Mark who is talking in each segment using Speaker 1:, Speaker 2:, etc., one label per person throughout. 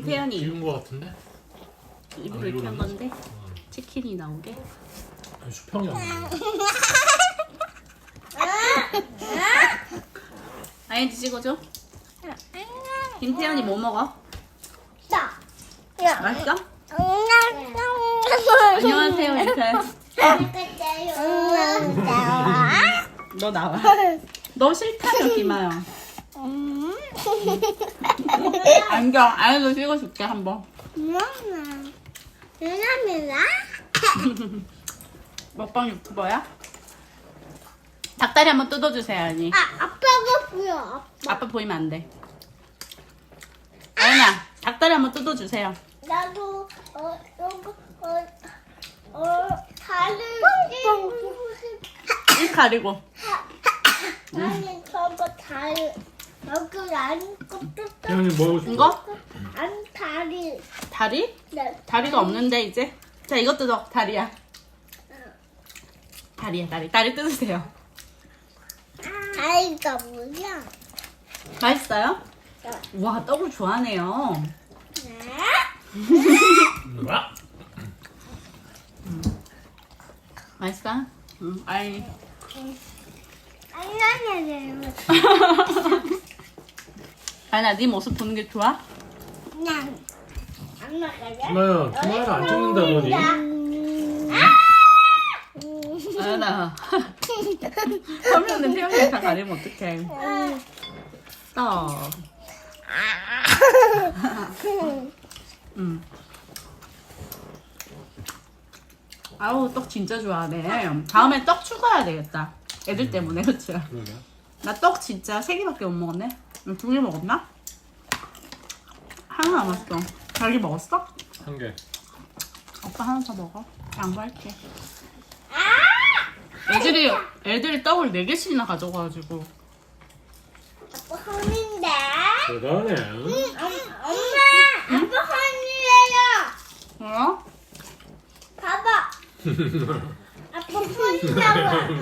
Speaker 1: 김태현이
Speaker 2: 익은 거 같은데?
Speaker 1: 일부러 이렇게 한 건데 치킨이 나오게.
Speaker 2: 아니, 수평이 안 나와.
Speaker 1: 아이언지 찍어줘. 김태현이 뭐 먹어? 맛있어? 안녕하세요 이태. 너 나와. 너 싫다며 김아영. 안경 아이도 찍어줄게 한번. 먹방 유튜버야? 닭다리 한번 뜯어주세요 아니.
Speaker 3: 아빠가 보여.
Speaker 1: 아빠 보이면 안 돼. 아연아 닭다리 한번 뜯어주세요.
Speaker 3: 나도 다른
Speaker 1: 입 가리고.
Speaker 3: 아니 저거 다리 여기 안 것도
Speaker 2: 태현이 뭐 하고 싶어?
Speaker 1: 이거?
Speaker 3: 안 다리.
Speaker 1: 다리?
Speaker 3: 네.
Speaker 1: 다리가 없는데 이제. 자 이거 뜯어. 다리야. 다리야 다리. 다리 뜯으세요.
Speaker 3: 다리가 뭐야?
Speaker 1: 맛있어요? 와 떡을 좋아하네요.
Speaker 2: 와?
Speaker 1: 맛있어? 응. 아이.
Speaker 3: 안나냐냐.
Speaker 1: 아연아 네 모습 보는 게 좋아?
Speaker 3: 그냥 안 나가냐?
Speaker 2: 김아연, 김아연 안 찍는다더니.
Speaker 1: 아연아 화면에 태연이 다 가리면 어떡해. 떡. 아우 떡 진짜 좋아하네. 다음에 떡 추가해야 되겠다. 애들 때문에 그치?
Speaker 2: 그러게.
Speaker 1: 나 떡 진짜 3개밖에 못 먹었네. 2개 먹었나? 하나 남았어. 자기 먹었어?
Speaker 2: 한 개.
Speaker 1: 오빠 하나 더 먹어. 양보할게. 애들이 떡을 4개씩이나 가져가가지고.
Speaker 3: 아빠 혼인데.
Speaker 2: 대단해.
Speaker 3: 엄마, 아빠 혼이에요.
Speaker 1: 어?
Speaker 3: 봐봐. 아빠 혼이라고.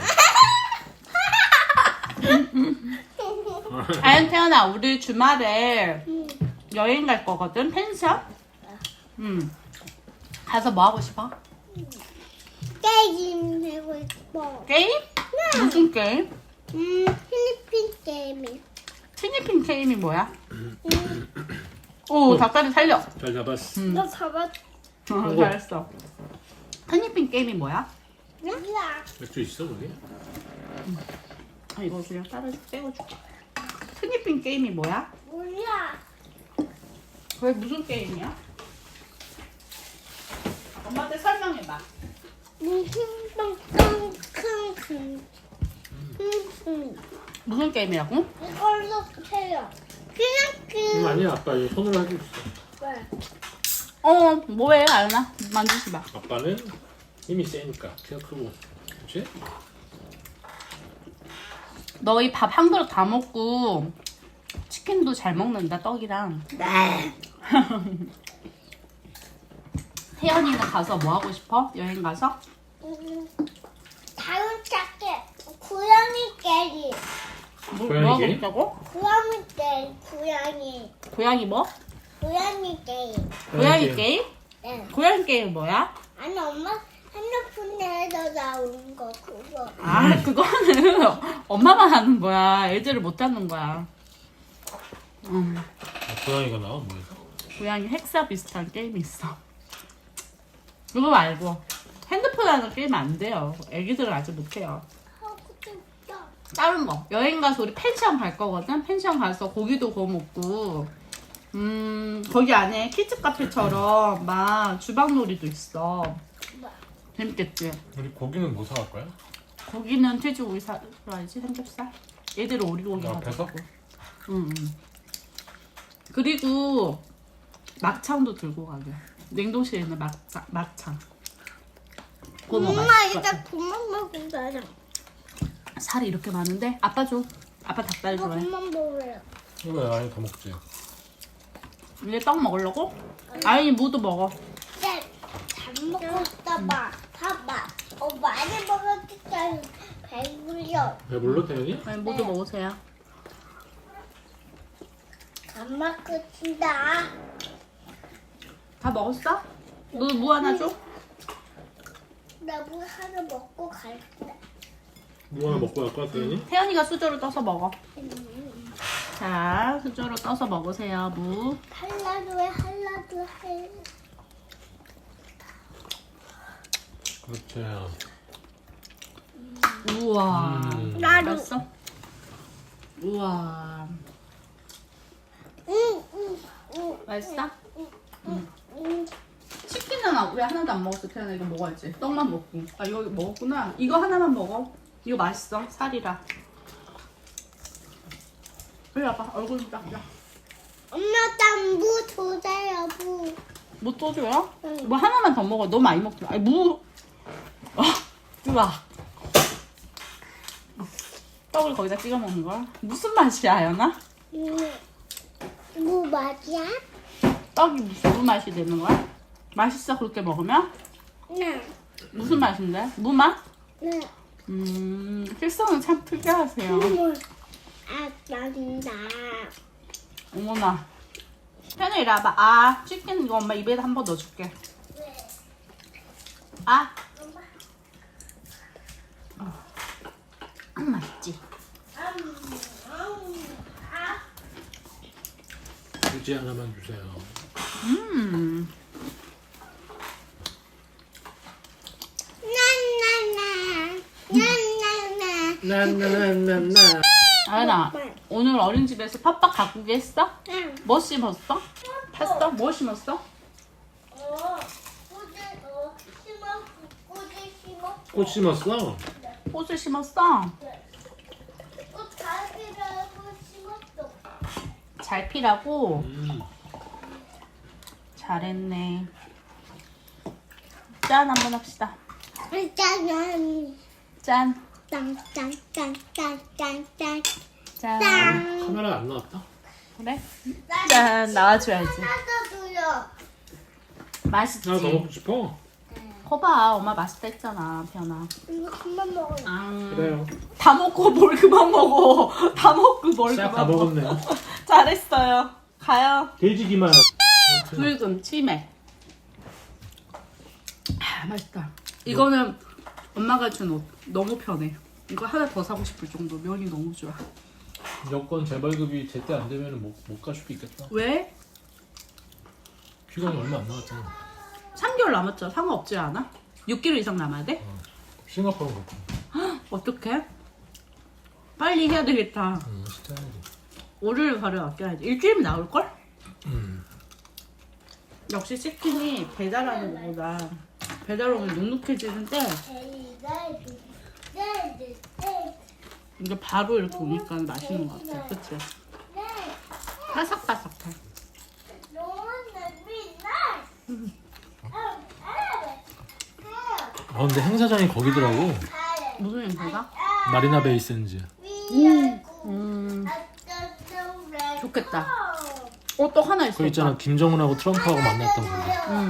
Speaker 1: 아연 태연아 우리 주말에 여행 갈 거거든. 펜션? 가서 뭐 하고 싶어?
Speaker 3: 게임 하고 싶어.
Speaker 1: 게임? 무슨 게임?
Speaker 3: 필리핀 게임이.
Speaker 1: 필리핀 게임이 뭐야? 오 닭다리 살려.
Speaker 2: 잘 잡았어.
Speaker 3: 너 잡았.
Speaker 1: 잘했어. 필리핀 게임이 뭐야?
Speaker 3: 몰라.
Speaker 2: 맥주 있어, 거기?
Speaker 1: 아 이거 그냥 떼어줄게. 필리핀 게임이 뭐야?
Speaker 3: 몰라.
Speaker 1: 왜 무슨 게임이야? 엄마한테 설명해봐. 무슨 게임이라고?
Speaker 3: 이걸로 해요. 그냥
Speaker 2: 아니야, 아빠 이거 손으로 하고 있어.
Speaker 1: 어 뭐해 아연아 만지지 마.
Speaker 2: 아빠는 힘이 세니까 키가 크고. 그렇지?
Speaker 1: 너희 밥 한 그릇 다 먹고 치킨도 잘 먹는다 떡이랑.
Speaker 3: 네.
Speaker 1: 태연이는 가서 뭐 하고 싶어? 여행 가서?
Speaker 3: 다음 작게 고양이 게임.
Speaker 1: 뭐
Speaker 2: 고양이
Speaker 1: 하고
Speaker 2: 게임?
Speaker 1: 싶다고?
Speaker 3: 고양이 게임. 고양이.
Speaker 1: 고양이 뭐?
Speaker 3: 고양이 게임.
Speaker 1: 고양이 게임?
Speaker 3: 네.
Speaker 1: 고양이 게임 뭐야?
Speaker 3: 아니 엄마 핸드폰에서 나온 거 그거.
Speaker 1: 아 그거는 엄마만 하는 거야. 애들을 못 하는 거야.
Speaker 2: 고양이가 나와, 뭐에서?
Speaker 1: 고양이 헥사 비슷한 게임이 있어. 그거 말고 핸드폰 하는 게임 안 돼요. 애기들은 아직 못 해요.
Speaker 3: 하고 싶다.
Speaker 1: 다른 거 여행 가서 우리 펜션 갈 거거든. 펜션 가서 고기도 구워 먹고 거기 안에 키즈 카페처럼 막 주방놀이도 있어. 재밌겠지?
Speaker 2: 우리 고기는 뭐 사갈 거야?
Speaker 1: 고기는 돼지고기 사야지. 삼겹살. 얘들은 오리고기
Speaker 2: 앞에서?
Speaker 1: 가지고. 응. 그리고 막창도 들고 가게. 냉동실에 있는 막창. 그거
Speaker 3: 엄마
Speaker 1: 맛있을 것
Speaker 3: 이제
Speaker 1: 같아.
Speaker 3: 그만 먹으면 되잖아.
Speaker 1: 살이 이렇게 많은데 아빠 줘. 아빠 닭다리
Speaker 3: 이거
Speaker 1: 좋아해.
Speaker 3: 그만 먹어요.
Speaker 2: 이거 아니 더 먹지.
Speaker 1: 이제 떡 먹으려고? 아니 무도 먹어.
Speaker 3: 네, 잘 먹었다 봐. 봐봐. 많이 먹었기 때문에 배불려.
Speaker 2: 배불러, 태연이?
Speaker 1: 아니 무도 먹으세요.
Speaker 3: 안 먹겠습니다.
Speaker 1: 다 먹었어? 너 무 하나 줘?
Speaker 3: 나 물 하나 먹고 갈게.
Speaker 2: 뭐 하나 먹고 갈까, 태연이?
Speaker 1: 태연이가 수저로 떠서 먹어. 자, 수저로 떠서 먹으세요, 무.
Speaker 3: 할라도 해.
Speaker 2: 그렇지.
Speaker 1: 우와.
Speaker 3: 나도.
Speaker 1: 맛있어? 우와. 맛있어? 치킨은 왜 하나도 안 먹었어? 태연아 이거 먹어야지. 떡만 먹고. 아 이거 먹었구나. 이거 하나만 먹어. 이거 맛있어. 살이라. 이리 와봐. 얼굴 좀 닦자.
Speaker 3: 엄마 땀무 주세요 무.
Speaker 1: 뭐 또 줘요?
Speaker 3: 응.
Speaker 1: 뭐 하나만 더 먹어. 너무 많이 먹지 마. 아니 무. 우와. 떡을 거기다 찍어 먹는 거야? 무슨 맛이야, 연아?
Speaker 3: 무 맛이야?
Speaker 1: 떡이 무슨 맛이 되는 거야? 맛있어 그렇게 먹으면?
Speaker 3: 네.
Speaker 1: 무슨 맛인데? 무맛?
Speaker 3: 네.
Speaker 1: 실성은 참 특이하세요.
Speaker 3: 아 맛있다.
Speaker 1: 어머나. 편히 이리 와봐. 아, 치킨 이거 엄마 입에다 한 번 넣어줄게. 아. 맛있지?
Speaker 2: 유지 하나만 주세요. 나나나나.
Speaker 1: 아연아, 오늘 어린이집에서 팥빵 가꾸기 했어? 뭐 심었어? 팠어? 뭐 심었어?
Speaker 2: 꽃 심었어?
Speaker 1: 꽃을 심었어? 잘 피라고? 잘했네. 짠 한번 합시다.
Speaker 3: 짠.
Speaker 1: 짠.
Speaker 3: 짠짠짠짠짠짠.
Speaker 1: 짠.
Speaker 2: 카메라 안 나왔다?
Speaker 1: 그래? 짠. 나와줘야지.
Speaker 3: 나도 줘요.
Speaker 1: 맛있지?
Speaker 2: 나 더 먹고 싶어.
Speaker 1: 거봐. 엄마 맛있다 했잖아, 편아.
Speaker 3: 이거 그만 먹어요.
Speaker 2: 그래요.
Speaker 1: 다 먹고 뭘 그만 먹어. 다 먹고 뭘
Speaker 2: 시작
Speaker 1: 그만
Speaker 2: 다
Speaker 1: 먹어.
Speaker 2: 먹었네.
Speaker 1: 잘했어요. 가요.
Speaker 2: 돼지기만.
Speaker 1: 붉은 치맥. 아, 맛있다. 이거는 엄마가 준 옷. 너무 편해. 이거 하나 더 사고 싶을 정도. 면이 너무 좋아.
Speaker 2: 여권 재발급이 제때 안 되면 못 갈 수도 있겠다.
Speaker 1: 왜?
Speaker 2: 휴관이 얼마 안 남았잖아.
Speaker 1: 3개월 남았죠. 상관없지 않아? 6개월 이상 남아야 돼?
Speaker 2: 싱가포르 갔고.
Speaker 1: 어떡해? 빨리 해야 되겠다.
Speaker 2: 진짜.
Speaker 1: 월요일 바로 아껴야지. 일주일이면 나올걸? 역시 치킨이 배달하는 것보다 배달 오면 눅눅해지는데 이게 바로 이렇게 오니까 맛있는 것 같아. 그치? 바삭바삭해.
Speaker 2: 근데 행사장이 거기더라고.
Speaker 1: 무슨 냄새가?
Speaker 2: 마리나 베이 샌즈.
Speaker 1: 좋겠다. 또 하나 있어.
Speaker 2: 그 있잖아, 김정은하고 트럼프하고 만났던 거.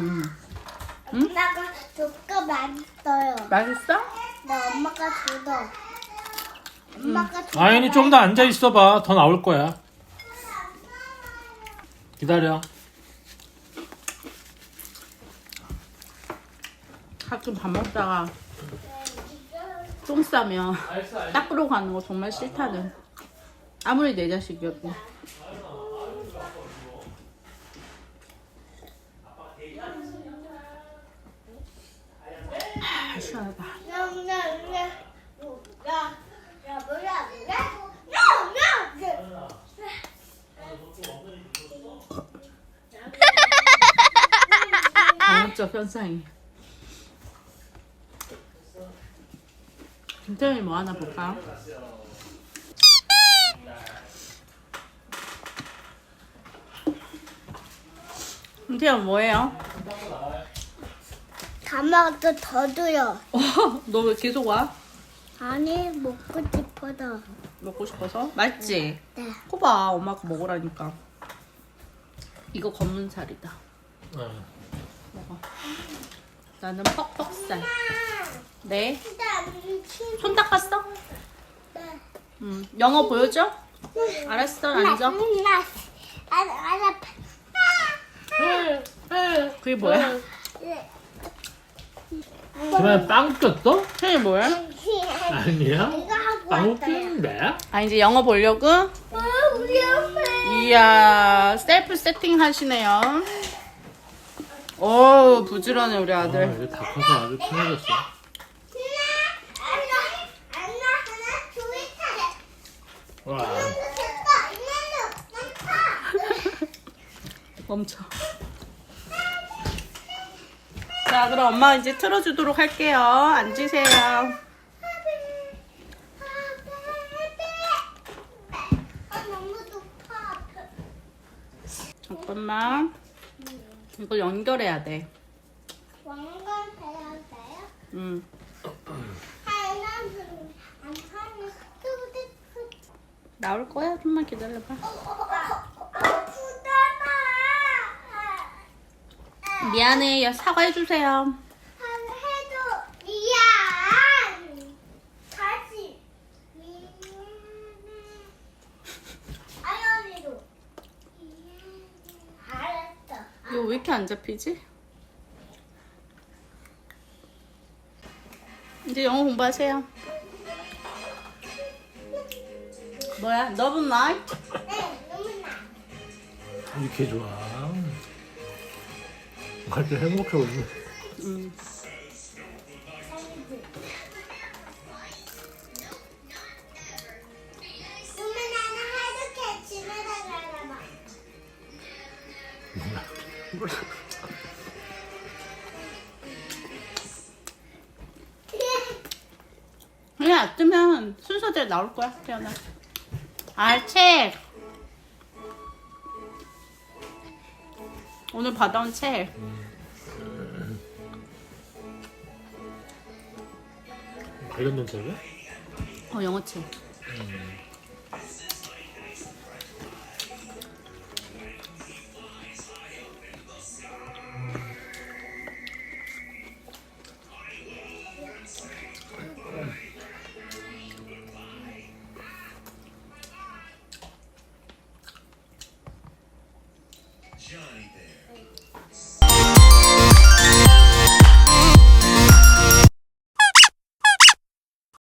Speaker 3: 엄마가 조카 맛있어요.
Speaker 1: 맛있어?
Speaker 3: 나 엄마가 줘도. 엄마가 줘.
Speaker 2: 아연이 좀 더 앉아 있어봐. 더 나올 거야. 기다려.
Speaker 1: 가끔 밥 먹다가 똥 싸면 닦으러 가는 거 정말 싫다는. 아무리 내 자식이어도. 시원하다. 강압적 현상이. 김태현이 뭐 하나 볼까? 김태현 뭐해요?
Speaker 3: 다 먹어도 더 줘요.
Speaker 1: 너 왜 계속 와?
Speaker 3: 아니 먹고 싶어서.
Speaker 1: 먹고 싶어서? 맛있지?
Speaker 3: 네.
Speaker 1: 코봐 엄마가 먹으라니까. 이거 검은살이다. 먹어. 나는 퍽퍽살. 네. 손 닦았어?
Speaker 3: 네.
Speaker 1: 영어 보여줘? 알았어, 앉아.
Speaker 3: 나.
Speaker 1: 응. 그게 뭐야?
Speaker 3: 네.
Speaker 2: 그만 빵 꼈어?
Speaker 1: 그게 뭐야?
Speaker 2: 아니야.
Speaker 3: 이거 하고
Speaker 2: 빵
Speaker 3: 왔어요.
Speaker 2: 웃기는데?
Speaker 1: 아 이제 영어 보려고?
Speaker 3: 우리 엄마.
Speaker 1: 이야 셀프 세팅 하시네요. 오 부지런해 우리
Speaker 2: 아,
Speaker 1: 아들.
Speaker 2: 이제 다 커서 아주 편해졌어.
Speaker 3: 하나 둘 셋.
Speaker 2: 와.
Speaker 3: 됐다. 이만도
Speaker 1: 멈춰. 자 그럼 엄마 이제 틀어주도록 할게요. 앉으세요.
Speaker 3: 너무 높아.
Speaker 1: 잠깐만. 이걸 연결해야 돼.
Speaker 3: 왕관 해야 돼요?
Speaker 1: 응.
Speaker 3: 하나는 안 하면
Speaker 1: 나올 거야. 좀만 기다려봐.
Speaker 3: 아프잖아.
Speaker 1: 미안해. 사과해주세요.
Speaker 3: 해도 미안. 다시 미안해. 아연이도 미안해. 알았어.
Speaker 1: 이거 왜 이렇게 안 잡히지? 이제 영어 공부하세요. 뭐야? 너분 나이?
Speaker 3: 네, 너무나.
Speaker 2: 이렇게 좋아. 아주 행복해 보이네.
Speaker 1: 응.
Speaker 3: 그러면 나는 하루 집에 가나 봐.
Speaker 1: 그냥 놔두면 순서대로 나올 거야. 태어나. 책. 오늘 받아온 책.
Speaker 2: 관련된 책이야?
Speaker 1: 영어 책.
Speaker 4: Johnny